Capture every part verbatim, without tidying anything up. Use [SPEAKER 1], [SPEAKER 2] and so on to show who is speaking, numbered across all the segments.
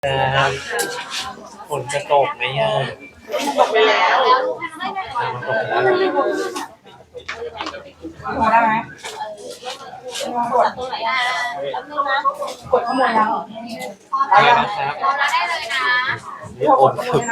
[SPEAKER 1] ครับฝนจะตกไหมอ่ะ
[SPEAKER 2] ตกไปแล้ว
[SPEAKER 1] มันตกแล้ว
[SPEAKER 2] พอได้ไหมกดกดข้อมูลยัง
[SPEAKER 1] อะไรนะครับ
[SPEAKER 3] เราได้เลยนะ
[SPEAKER 1] นี่โอนครับ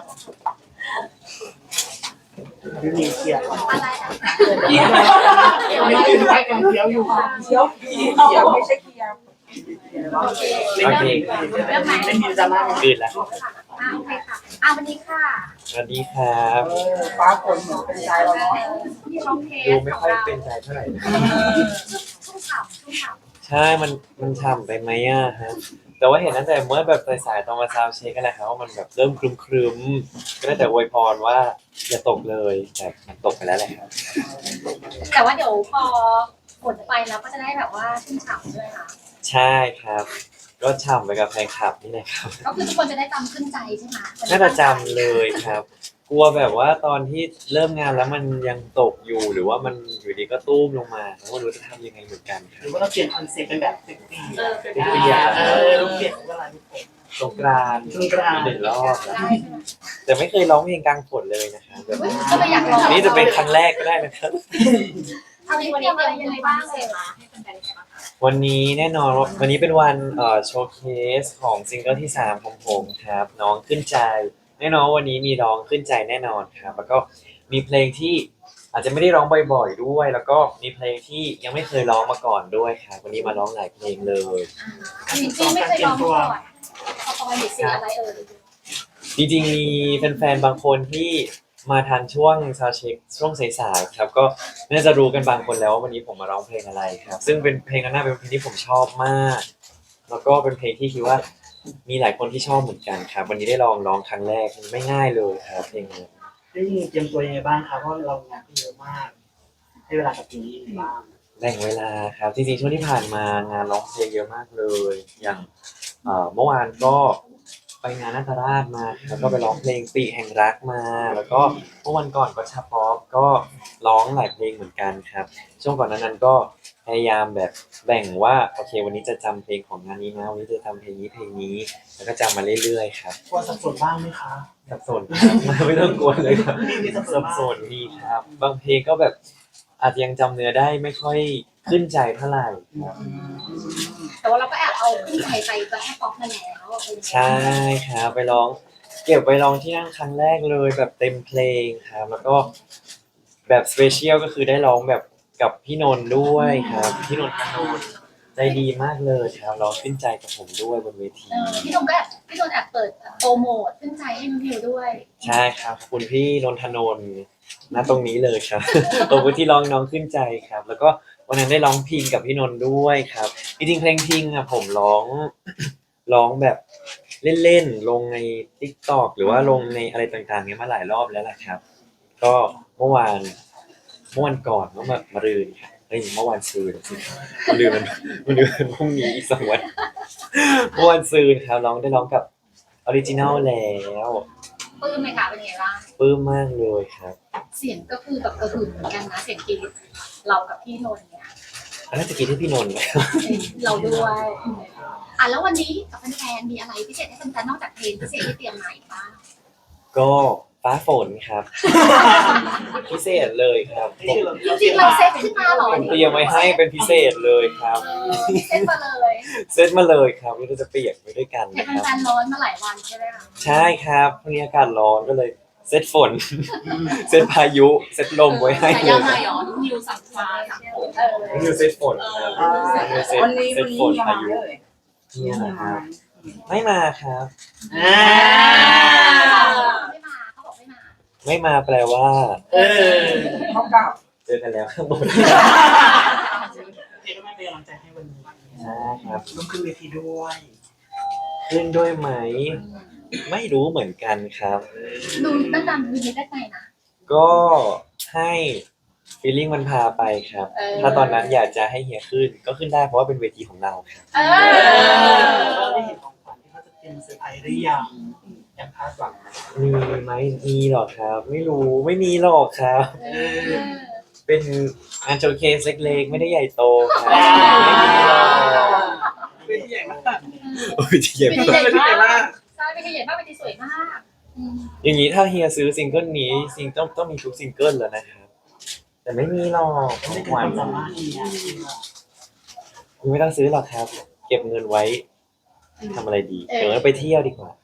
[SPEAKER 2] พี่มีเคียว
[SPEAKER 3] อะไรนะ
[SPEAKER 2] เคียวไม่กินไว้กันเคียวอยู่เคียวเคียวไม่ใช่เคียว
[SPEAKER 1] โอเค
[SPEAKER 3] เรื่องไหน
[SPEAKER 2] เล่นมีดราม่า
[SPEAKER 1] ตื่นแล้ว
[SPEAKER 3] อ่าโอเคค่ะอ่าวันนี้ค่ะ
[SPEAKER 1] สวัสดีครับ
[SPEAKER 2] ฟ้าฝนเหมือนเป็นใจเราเนาะ
[SPEAKER 3] ที่ช่องเทส
[SPEAKER 1] ดูไม่ค่อยเป็นใจเท่าไหร่
[SPEAKER 3] ชุ่มฉ่ำชุ่มฉ่ำ
[SPEAKER 1] ใช่มันมันฉ่ำไปไหมอ่ะฮะแต่ว่าเห็นตั้งแต่เมื่อแบบสายๆตอนมาซาวเช็คกันแหละครับว่ามันแบบเริ่มครึมๆก็ได้แต่อวยพรว่าอย่าตกเลยแต่มันตกไปแล้วแหละครับ
[SPEAKER 3] แต่ว่าเดี๋ยวพอฝนไปแล้วก็จะได้แบบว่าชุ่มฉ่ำด้วยค่ะ
[SPEAKER 1] ใช่ครับ ก็ฉ่ำไปกับแฟนคลับนี่แหละครับ
[SPEAKER 3] ก็คือทุกคนจะได้จำขึ้นใจใช่ไหม
[SPEAKER 1] น่าจะจำเลยครับ กลัวแบบว่าตอนที่เริ่มงานแล้วมันยังตกอยู่หรือว่ามันอยู่ดีก็ตุ้มลงมาผมไม่รู้จะทำยังไงเหมือนกันค
[SPEAKER 2] ห
[SPEAKER 1] รับ
[SPEAKER 2] รือว่าเราเปลี่ยนคอนเซ็ปต์เป็นแบบเซ็กซี่
[SPEAKER 3] เออ
[SPEAKER 1] เซ็กซี่อ่ะ
[SPEAKER 2] เออเราเปลี่ยนเวลาทุกคน
[SPEAKER 1] สงกรานต์
[SPEAKER 2] สงกรานต์
[SPEAKER 1] หนึ่งรอบ
[SPEAKER 3] ได้ใช่ไหม
[SPEAKER 1] แต่ไม่เคยร้องเพลงกลางฝนเลยนะครับแบบ
[SPEAKER 3] อุ๊ยก็เลยอยากลอง
[SPEAKER 1] นี่จะเป็นครั้งแรกก็ได้นะครับ
[SPEAKER 3] เอาวันนี้วันนี้อะไรบ้างเลยคะให้แฟนๆได้บ้างคะ
[SPEAKER 1] วันนี้แน่นอนว่าวันนี้เป็นวันเอ่อโชว์เคสของซิงเกิลที่สามของผมครับน้องขึ้นใจแน่นอนวันนี้มีร้องขึ้นใจแน่นอนครับแล้วก็มีเพลงที่อาจจะไม่ได้ร้องบ่อยๆด้วย แล้วก็มีเพลงที่ยังไม่เคยร้องมาก่อนด้วยครับวันนี้มาร้องหลายเพลงเลย
[SPEAKER 3] อ่าจริงๆไม่เคยลองมาก่อนพอตอนเด็กสีอะไรเอ่ย
[SPEAKER 1] จริงๆมีแฟนๆบางคนที่มาทันช่วงซาวด์เช็คช่วงสายๆครับก็น่าจะรู้กันบางคนแล้วว่าวันนี้ผมมาร้องเพลงอะไรครับซึ่งเป็นเพลงนั้นน่าเป็นเพลงที่ผมชอบมาก แล้วก็เป็นเพลงที่คิดว่ามีหลายคนที่ชอบเหมือนกันครับวันนี้ได้ลองร้องครั้งแรกไม่ง่ายเลยครับเพลงนี้
[SPEAKER 2] ได้ยินเตรียมตัวยังไงบ้างครับเพราะเรางานเยอะมากให้เวลากับเพลงนี้ยังไงบ้าง
[SPEAKER 1] แบ่งเวลาครับจริงๆช่วงที่ผ่านมางานร้องเพลงเยอะมากเลย อย่างเอ่อเมื่อวานก็ไปงานนาตราชมาแล้วก็ไปร้องเพลงปีแห่งรักมา แล้วก็เมื่อวันก่อนก็ชาป๊อปก็ร้องหลายเพลงเหมือนกันครับช่วงก่อนนั้นนั้นก็พยายามแบบแบ่งว่าโอเควันนี้จะจำเพลงของงานนี้นะวันนี้จะทำเพลงนี้เพลงนี้แล้วก็จำมาเรื่อยๆครับ
[SPEAKER 2] กลัวสับสนบ้างไหมคะ
[SPEAKER 1] สับสนครับ ไม่ต้องกลัวเลยครับ
[SPEAKER 2] มีสับสน
[SPEAKER 1] สับ
[SPEAKER 2] บ้าง
[SPEAKER 1] สนมีครับ บางเพลงก็แบบอาจจะยังจำเนื้อได้ไม่ค่อยขึ้นใจเท่าไหร่ครับ
[SPEAKER 3] แต่ว่าเราก็แอบเอาขึ้นใจไปไปให้ป๊อปมาแล้วเออ
[SPEAKER 1] ใช่ครับไปร้องเก็บไปร้องที่นั่นครั้งแรกเลยแบบเต็มเพลงครับแล้วก็แบบสเปเชียลก็คือได้ร้องแบบกับพี่นนท์ด้วยครับพี่นนท์พนนท์ใจดีมากเลยครับร้องขึ้นใจกับผมด้วยบนเวที
[SPEAKER 3] เออพี่นนท์ก็แอบพี่นนท์แอบเปิดโปรโมทขึ้นใจให้น้องพิวด้วย
[SPEAKER 1] ใช่ครับขอบคุณพี่นนทนนท์ณตรงนี้เลยครับ ขอบคุณที่ร้องน้องขึ้นใจครับ แล้วก็วันนั้นได้ร้องพิงกับพี่นนท์ด้วยครับจริงๆเพลงพิงอะผมร้อง ร้องแบบเล่นๆลงใน TikTok หรือว่าลงในอะไรต่างๆเนี้ยมาหลายรอบแล้วแหละครับ ก็เมื่อวานเมื่อวันก่อนเมื่อมารืนครับเฮ้ยเมื่อวานซืนสิมันลืมมันมันลืมมันพรุ่งนี้อีกสองวัน เมื่อวันซืนครับร้องได้ร้องกับออริจินัลแล้ว
[SPEAKER 3] ปลื้มไหมคะเป็นไงบ้าง
[SPEAKER 1] ปลื้มมากเลยครับ
[SPEAKER 3] เสียงก็คือแบบกระหึ่มเหมือนกันนะเสียงกรี๊ดเรากับพี่นนท์เนี่ย
[SPEAKER 1] อันน่าจะกินที่พี่นนท์ไหม
[SPEAKER 3] เราด้วยอ่ะแล้ววันนี้กับแฟนๆมีอะไรพิเศษให้แฟนๆนอกจากเพลงพิเศษที่เตรียมมาอีกบ้าง
[SPEAKER 1] ก็ฟ้าฝนครับ พิเศษเลยครับผม
[SPEAKER 3] จริงๆเราเซตขึ้นมาเหรอ
[SPEAKER 1] ผมเตรียมไว้ให้เป็นพิเศษเลยครับ
[SPEAKER 3] เออเซตมาเลย
[SPEAKER 1] เซตมาเลยครับเราจะเปียกไปด้วยกัน
[SPEAKER 3] เห็น
[SPEAKER 1] นะครับ
[SPEAKER 3] แฟนๆร้อนมาหลายวันใช่ไหมคะ
[SPEAKER 1] ใช่ครับพรุ่งนี้อากาศร้อนก็เลยเซตฝน เซตพายุเซตลมไว้ให้เลย
[SPEAKER 3] ยังไงอ๋อนิวสั่งฟ้าสั่งฝนเออ
[SPEAKER 1] นี่คือเซตฝนครับนี่คือเซต
[SPEAKER 2] วันนี้
[SPEAKER 1] เซ
[SPEAKER 2] วัน
[SPEAKER 1] ต
[SPEAKER 2] นี้
[SPEAKER 1] ฝน
[SPEAKER 2] ยัง
[SPEAKER 1] พา
[SPEAKER 2] มา
[SPEAKER 1] ยุ
[SPEAKER 2] เลย
[SPEAKER 1] เนี่ยนะครับไม่มาครับ
[SPEAKER 2] อ่า
[SPEAKER 3] ไม่มาเขาบอกไม่มา
[SPEAKER 1] ไม่มาแปลว่า
[SPEAKER 2] เออเขากลับ
[SPEAKER 1] เจอกันแล้วข้างบน
[SPEAKER 2] เอ็มไม่เป็นกำลังใจให้วันนี้
[SPEAKER 1] ใช่ครับ
[SPEAKER 2] ต้องขึ้นเวทีด้วย
[SPEAKER 1] ขึ้นด้วยไหม ไม่รู้เหมือนกันครับ
[SPEAKER 3] ดูด้านดันดูนิดได้ไงนะ
[SPEAKER 1] ก็ให้ฟีลลิ่งมันพาไปครับ
[SPEAKER 3] เออ
[SPEAKER 1] ถ้าตอนนั้นอยากจะให้เฮียขึ้นก็ขึ้นได้เพราะว่าเป็นเวทีของเราครับ
[SPEAKER 3] เอ
[SPEAKER 2] เรา
[SPEAKER 3] อ
[SPEAKER 2] ได้เห็นของขวัญที่เขาจะเตรียมเซอร์ไพรส์หรือยังแอบคาดหวังไหม
[SPEAKER 1] มีไหมมีหรอกครับ ไม่รู้ไม่มีหรอกครับ
[SPEAKER 3] เออ
[SPEAKER 1] เป็นงานโชว์เคสเล็กๆไม่ได้ใหญ่โตครับไม่มีหรอก
[SPEAKER 2] เป็นใหญ่มาก
[SPEAKER 3] เ
[SPEAKER 1] โอ้ยเจ็บ
[SPEAKER 3] เป็นใหญ่มากใช่เป็นใหญ่มากเป็นสวยมากอืม
[SPEAKER 1] อย่างนี้ถ้าเฮียซื้อซิงเกิลนี้ซิงต้องต้องมีทุกซิงเกิลแล้วนะครับแต่ไม่มีหรอกของขวัญยังไม่ต้องซื้อหรอกครับ เก็บเงินไว้ทำอะไรดีเดี๋ยวเราไปเที่ยวดีกว่า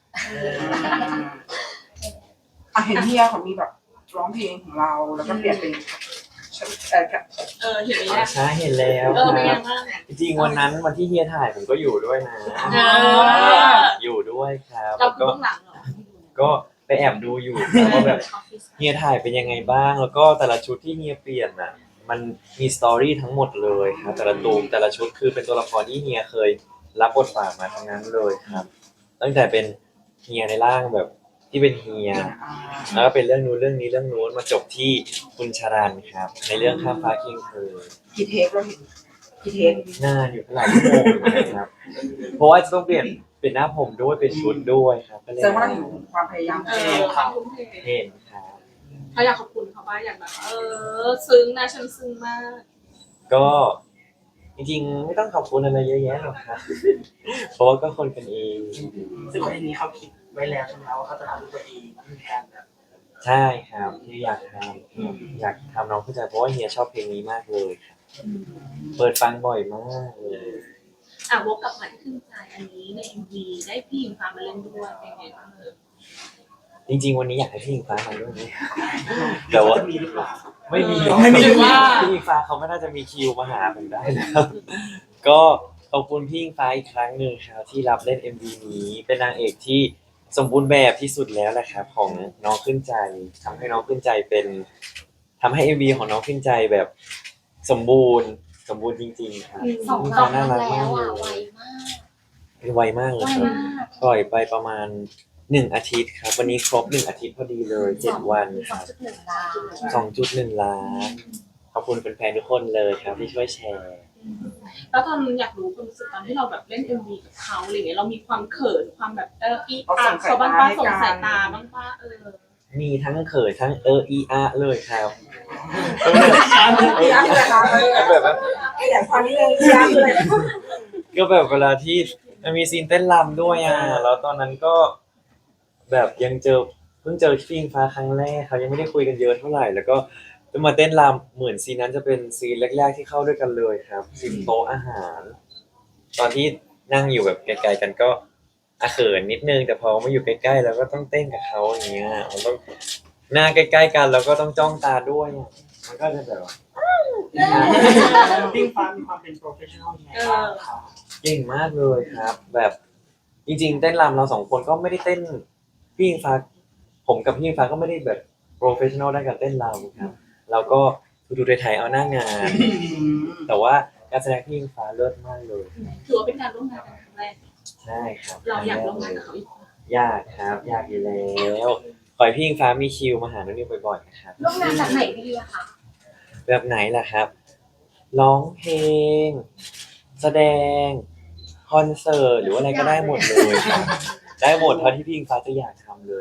[SPEAKER 4] อ่ะเห็นเฮียเขามีแบบร้องเพลงของเราแล้วก็เปลี่ยนเป็นเอ่อ
[SPEAKER 2] เออเห็นไหม
[SPEAKER 1] อ๋อ
[SPEAKER 2] เนี่ย
[SPEAKER 1] ใช่เห็นแล้ว
[SPEAKER 2] เออเป็น
[SPEAKER 1] ค
[SPEAKER 2] ยั
[SPEAKER 1] รับ
[SPEAKER 2] งบ้าง
[SPEAKER 1] จริงๆวันนั้นวันที่เฮียถ่ายผมก็อยู่ด้วยนะ
[SPEAKER 2] เออ
[SPEAKER 1] อยู่ด้วยครับ
[SPEAKER 2] เรา
[SPEAKER 1] แล้ว
[SPEAKER 2] คือ
[SPEAKER 1] ก็
[SPEAKER 2] เบื้องหลังเหรอ
[SPEAKER 1] ก็ไปแอบดูอยู่ครับว่าแบบเฮียถ่ายเป็นยังไงบ้าง แล้วก็แต่ละชุดที่เฮียเปลี่ยนน่ะ มันมีสตอรี่ทั้งหมดเลยครับแต่ละตูมแต่ละชุดคือเป็นตัวละครที่เฮียเคยรับบทบาทมาทั้งนั้นเลยครับ ตั้งแต่เป็นเฮียในร่างแบบที่เป็นเฮีย แล้วก็เป็นเรื่องนู้นเรื่องนี้เรื่องนู้นมาจบที่คุณชรันครับ ในเรื่องข้ามฟ้าเคียงคืน
[SPEAKER 4] กี่เทคเราเห็นกี่เทค
[SPEAKER 1] หน้าอยู่หลายชั่วโมงเหมือนกันครับ เพราะว่าจะต้องเปลี่ยนเป็นหน้าผมด้วยเป็นชุดด้วยครับก็เลย
[SPEAKER 4] แสดงว่าเราเห็นความพยายาม
[SPEAKER 2] เอ
[SPEAKER 4] ของ
[SPEAKER 2] อ
[SPEAKER 4] เขา
[SPEAKER 2] ทุ่มเท
[SPEAKER 1] เห็นครับ
[SPEAKER 2] เขาอยากขอบคุณเขาบ้างอยากแบบเออซึ้งนะฉันซึ้งมาก
[SPEAKER 1] ก็จริงๆไม่ต้องขอบคุณอะไรเยอะแยะหรอกครับ เพราะว่าก็คนกันเอง
[SPEAKER 5] ซึ่งคนนี้เขาคิดไว้แล้วใช่ไหมว่าเขาจะทำด้วยตัวเองไม่มีการแบบ
[SPEAKER 1] ใช่ครับที่อยากทำอยากทำน้องเข้าใจเพราะว่าเฮียชอบเพลงนี้มากเลยครับเปิดฟังบ่อยมากเลย
[SPEAKER 2] อ่ะวกกลับมาที่ขึ้นใจอันนี้ในเอ็มวีได้พี่หญิงฟ้ามาเล่นด้วยเป็นไงบ้างเออ
[SPEAKER 1] จริง ๆ วันนี้อยากให้พี่อิงฟ้ามาด้วยนะแต่ว่า
[SPEAKER 5] จะมีหรือเปล่า
[SPEAKER 1] ไม่มี
[SPEAKER 5] ไม่มี
[SPEAKER 1] พี่อิงฟ้าเขาไม่น่าจะมีคิวมาหาผมได้นะครับ ก็ขอบคุณพี่อิงฟ้าอีกครั้งหนึ่งครับที่รับเล่น เอ็ม วี นี้เป็นนางเอกที่สมบูรณ์แบบที่สุดแล้วแหละครับของน้องขึ้นใจทำให้น้องขึ้นใจเป็นทำให้ เอ็ม วี ของน้องขึ้นใจแบบสมบูรณ์สมบูรณ์จริงๆครับ
[SPEAKER 3] สอง
[SPEAKER 1] พี่อิง
[SPEAKER 3] รอ
[SPEAKER 1] ฟ้า
[SPEAKER 3] บ
[SPEAKER 1] น่ารัก
[SPEAKER 3] แล้
[SPEAKER 1] มาก
[SPEAKER 3] ว
[SPEAKER 1] เล
[SPEAKER 3] อ่ะ
[SPEAKER 1] ย
[SPEAKER 3] ไวมาก
[SPEAKER 1] ไวมากเลย
[SPEAKER 3] ไว
[SPEAKER 1] ครับ
[SPEAKER 3] มาก
[SPEAKER 1] ปล่อยไปประมาณหนึ่งอาทิตย์ครับ วันนี้ครบหนึ่งอาทิตย์พอดีเลยเจ็ดวันค
[SPEAKER 3] สอ
[SPEAKER 1] รั
[SPEAKER 3] ง
[SPEAKER 1] บ
[SPEAKER 3] จุดหนึ่งล้าน
[SPEAKER 1] สองจุดหนึ่งล้าน ขอบคุณแฟนๆทุกคนเลยครับที่ช่วยแชร์
[SPEAKER 2] แล้วตอนอยากรู้ความรู้สึกตอนที่เราแบบเล่นเอ็มวีกับเขาอะไรเงี้ยเรามีความเขินความแบบเอออีอาเขาบ้างป้าส่งสายตาบ้างป้าเออ
[SPEAKER 1] มีทั้งเขินทั้งเอออีอาเลยครับ
[SPEAKER 4] พี่อาร์ตเลยค่ะ
[SPEAKER 1] แบบว่า
[SPEAKER 4] ขยายความนิดนึงพี่อาร์ตเลย
[SPEAKER 1] ก็แบบเวลาที่มันมีซีนเต้นรำด้วยอ่ะ แล้วตอนนั้นก็แบบยังเจอเพิ่งเจอพี่อิงฟ้าครั้งแรกเขายังไม่ได้คุยกันเยอะเท่าไหร่ แล้วก็จะมาเต้นรำเหมือนซีนนั้นจะเป็นซีนแรกๆที่เข้าด้วยกันเลยครับซีนโต๊ะอาหาร ตอนที่นั่งอยู่แบบไกลๆกันก็อาเขินนิดนึงแต่พอมาอยู่ใกล้ๆแล้วก็ต้องเต้นกับเขาอย่างเงี้ยมันต้องหน้าใกล้ๆกันแล้วก็ต้องจ้องตาด้วยอะมันก็จะแบบว่า
[SPEAKER 5] ติ้งฟ้ามีความเป็นโปรเฟชชั่นอลยังไงบ้างครับ
[SPEAKER 1] เก่งมากเลยครับ แบบจริงๆเต้นรำเราสองคนก็ไม่ได้เต้นพี่อิงฟ้าผมกับพี่อิงฟ้าก็ไม่ได้แบบโปรเฟชชั่นอลด้านการเต้นรำครับเราก็ดูๆไทยๆเอาหน้างาน แต่ว่าการแสดงพี่อิงฟ้าเลิศมากเลย
[SPEAKER 2] ถือว่าเป็นการร่วมงานกันครั้งแรก
[SPEAKER 1] ใช่ครับ
[SPEAKER 2] เราอยากร่วมงานกับเขาอีก
[SPEAKER 1] ยากครับยากอยู่แล้วขอให้พี่อิงฟ้ามีคิวมาหาน้องนิวบ่อยๆนะครับ
[SPEAKER 3] ร่วมงานแบบไหนดีอะคะ
[SPEAKER 1] แบบไหนล่ะครับ ร้องเพลง แสดง คอนเสิร์ต หรือว่าอะไรก็ได้หมดเลยครับ ได้หมดเท่าที่พี่อิงฟ้าจะอยากทำเลย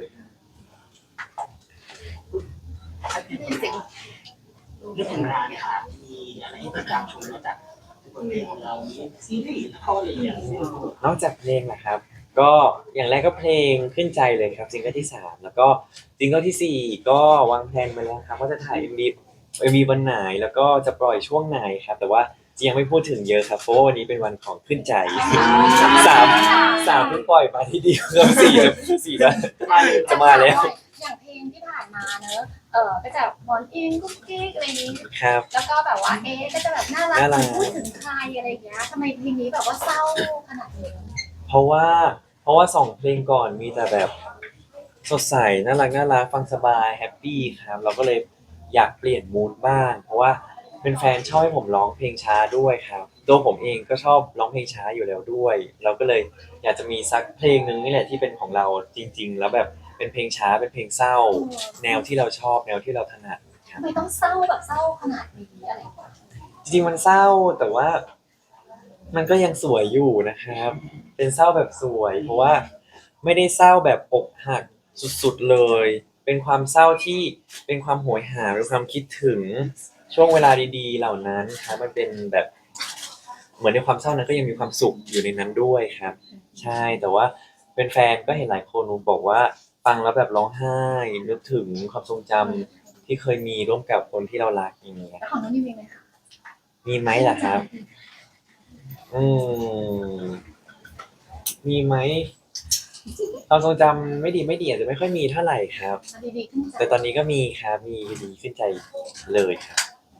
[SPEAKER 5] เรื่องของงานค่ะมีอะไรให้ติดตามชมนอกจากบทเพลงของเรามีซีรีส์ละครอะไรอย่างเงี้ย
[SPEAKER 1] นอกจากเพลงนะครับ ก็อย่างแรกก็เพลงขึ้นใจเลยครับซิงเกิลที่สามแล้วก็ซิงเกิลที่สี่ก็วางแผนไปแล้วครับว่าจะถ่าย เอ็ม วี เอ็ม วี วันไหนแล้วก็จะปล่อยช่วงไหนครับ แต่ว่ายังไม่พูดถึงเยอะครับเพราะว่าวันนี้เป็นวันของขึ้นใจสามสามเพิ่งปล่อยมาที่เดียวครับสี่สี่แล้วจะมาแล้ว
[SPEAKER 3] อย่างเพลงที่ผ่านมาเนอะเออก็จะหมอนอิงกุ๊กกิ๊กอะไรอย่างนี้
[SPEAKER 1] ครับ
[SPEAKER 3] แล้วก็แบบว่าเอ๊ะก็จะแบบน่ารัก
[SPEAKER 1] น่ารัก
[SPEAKER 3] พูดถึงใครอะไรอย่างเงี้ยทำไมเพลงนี้แบบว่าเศร้าขนาดนี้
[SPEAKER 1] เพราะว่าเพราะว่าสองเพลงก่อนมีแต่แบบสดใสน่ารักน่ารักฟังสบายแฮปปี้ครับ เราก็เลยอยากเปลี่ยนมูดบ้าง เพราะว่าเป็นแฟนชอบให้ผมร้องเพลงช้าด้วยครับตัวผมเองก็ชอบร้องเพลงช้าอยู่แล้วด้วย เราก็เลยอยากจะมีสักเพลงหนึ่งนี่แหละที่เป็นของเราจริง ๆ แล้วแบบเป็นเพลงช้าเป็นเพลงเศร้า แนวที่เราชอบแนวที่เราถนัดครั
[SPEAKER 3] ทำ
[SPEAKER 1] บ
[SPEAKER 3] ไมต้องเศร้าแบบเศร้าขนาดนี้อะไรอย่างเงี้ย
[SPEAKER 1] จริงๆมันเศร้าแต่ว่ามันก็ยังสวยอยู่นะครับ เป็นเศร้าแบบสวย เพราะว่าไม่ได้เศร้าแบบอกหักสุดๆเลย เป็นความเศร้าที่เป็นความโหยหาเป็นความคิดถึงช่วงเวลาดีๆ เหล่านั้นครับมันเป็นแบบเหมือนในความเศร้านั้นก็ยังมีความสุขอยู่ในนั้นด้วยครับ ใช่แต่ว่าเป็นแฟนๆก็เห็นหลายคนบอกว่าฟังแล้วแบบร้องไห้นึกถึงความทรงจำที่เคยมีร่วมกับคนที่เรารักอย่างเงี้ย
[SPEAKER 3] แล้วของน้องนิวมีไหมคะ
[SPEAKER 1] มีไหมล่ะครับ อืมมีไหมความทรงจำไม่ดีไม่ดีอาจจะไม่ค่อยมีเท่าไหร่ครับ
[SPEAKER 3] มันดีๆขึ้นจ้ะ
[SPEAKER 1] แต่ตอนนี้ก็มีครับมีดีขึ้นใจเลยครับ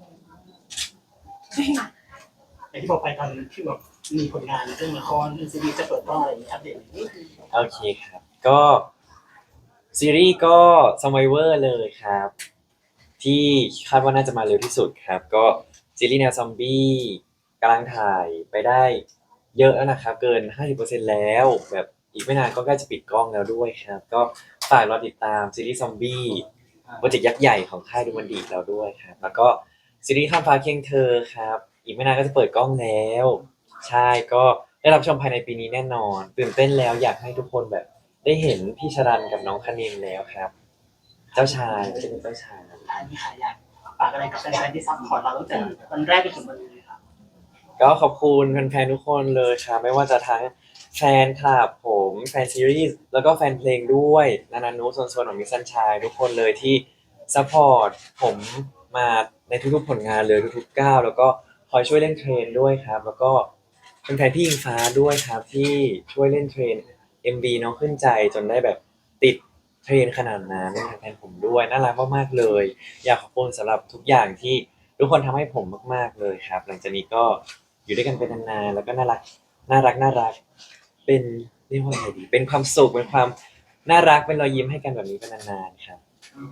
[SPEAKER 5] อย่างที่บอกไปตอนที่แบบมีผลงานเรื่องละครเรื่องซีรีส์จะเปิดกล้องอะไรอย่างนี้อัปเดตนิดนึง
[SPEAKER 1] โอเคครับ ก็ซีรีส์ก็ Survivor เลยครับ ที่คาดว่าน่าจะมาเร็วที่สุดครับ ก็ซีรีส์แนวซอมบี้กำลังถ่ายไปได้เยอะแล้วนะครับ เกิน ห้าสิบเปอร์เซ็นต์ แล้ว แบบอีกไม่นานก็ใกล้จะปิดกล้องแล้วด้วยครับ ก็ฝากรอติดตามซีรีส์ซอมบี้โปรเจกต์ยักษ์ใหญ่ของค่ายดูมันดีแล้วด้วยครับ แล้วก็ซีรีส์ข้ามฟ้าเคียงเธอครับ อีกไม่นานก็จะเปิดกล้องแล้ว ใช่ก็ได้รับชมภายในปีนี้แน่นอน ตื่นเต้นแล้วอยากให้ทุกคนแบบได้เห็นพี่ชรันกับน้องคณินแล้วครับ เจ้าชายไม่ใช่เป็นเจ้าชาย
[SPEAKER 5] ท้ายนี้ค่ะอยากฝากอะไรกับแฟนๆที่ซัพพอร์ตเราตั้งแต่วันแรกจนถึงวันนี้ครับ
[SPEAKER 1] ก็ขอบคุณแฟนๆทุกคนเลยครับไม่ว่าจะทั้งแฟนคลับผมแฟนซีรีส์แล้วก็แฟนเพลงด้วยนานานุโซนโซนของมิสซันชายทุกคนเลยที่ซัพพอร์ตผมมาในทุกๆผลงานเลยทุกๆก้าวแล้วก็คอยช่วยเล่นเทรนด้วยครับ แล้วก็เป็นแฟนพี่อิงฟ้าด้วยครับที่ช่วยเล่นเทรน เอ็ม วี น้องขึ้นใจจนได้แบบติดเทรนขนาดนั้นแทนผมด้วยน่ารักมากๆเลย อยากขอบคุณสำหรับทุกอย่างที่ทุกคนทำให้ผมมากๆเลยครับ หลังจากนี้ก็อยู่ด้วยกันเป็นนานๆแล้วก็น่ารักน่ารักน่ารักเป็นเรียกว่าไงดี เป็นความสุขเป็นความน่ารักเป็นรอยยิ้มให้กันแบบนี้เป็นนานๆครับ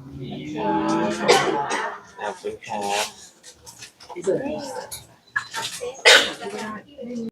[SPEAKER 1] ขอบคุณครับ
[SPEAKER 5] ที่สุด